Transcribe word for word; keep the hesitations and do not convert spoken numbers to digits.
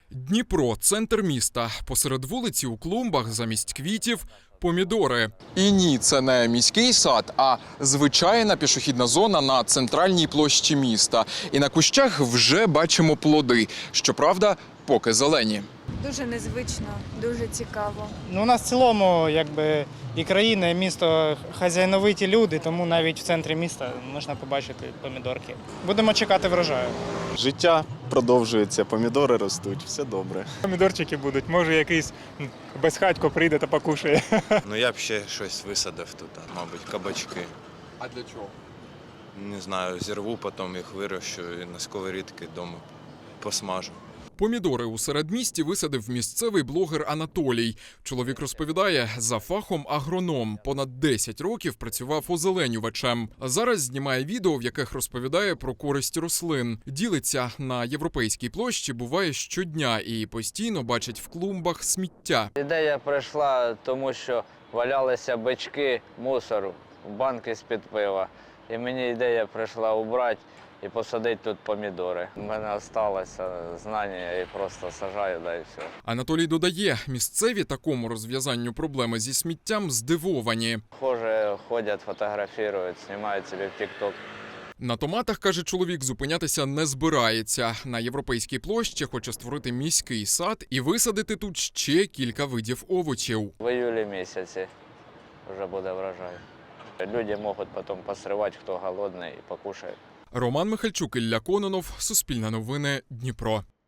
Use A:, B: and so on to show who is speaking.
A: Дніпро – центр міста. Посеред вулиці у клумбах замість квітів – помідори.
B: І ні, це не міський сад, а звичайна пішохідна зона на центральній площі міста. І на кущах вже бачимо плоди. Щоправда, поки зелені.
C: Дуже незвично, дуже цікаво.
D: Ну, у нас в цілому, якби, і країна, і місто хазяйновиті люди, тому навіть в центрі міста можна побачити помідорки. Будемо чекати врожаю.
E: Життя продовжується, помідори ростуть, все добре.
F: Помідорчики будуть, може якийсь безхатько прийде та покушає.
G: Ну я б ще щось висадив тут, мабуть, кабачки.
B: А для чого?
G: Не знаю, зірву, потім їх вирощу і на сковорідки вдома посмажу.
A: Помідори у середмісті висадив місцевий блогер Анатолій. Чоловік розповідає, за фахом агроном. Понад десять років працював озеленювачем. Зараз знімає відео, в яких розповідає про користь рослин. Ділиться на Європейській площі, буває щодня і постійно бачить в клумбах сміття.
H: Ідея прийшла, тому що валялися бички мусору, банки з-під пива. І мені ідея прийшла убрати і посадити тут помідори. У мене залишилося знання, я просто сажаю, да і все.
A: Анатолій додає, місцеві такому розв'язанню проблеми зі сміттям здивовані.
H: Хоже, ходять, фотографують, знімають собі в тік-ток.
A: На томатах, каже чоловік, зупинятися не збирається. На Європейській площі хоче створити міський сад і висадити тут ще кілька видів овочів.
H: В іюлі місяці вже буде врожай. Люди можуть потім посривати, хто голодний, і покушають.
A: Роман Михальчук, Ілля Кононов, Суспільне новини, Дніпро.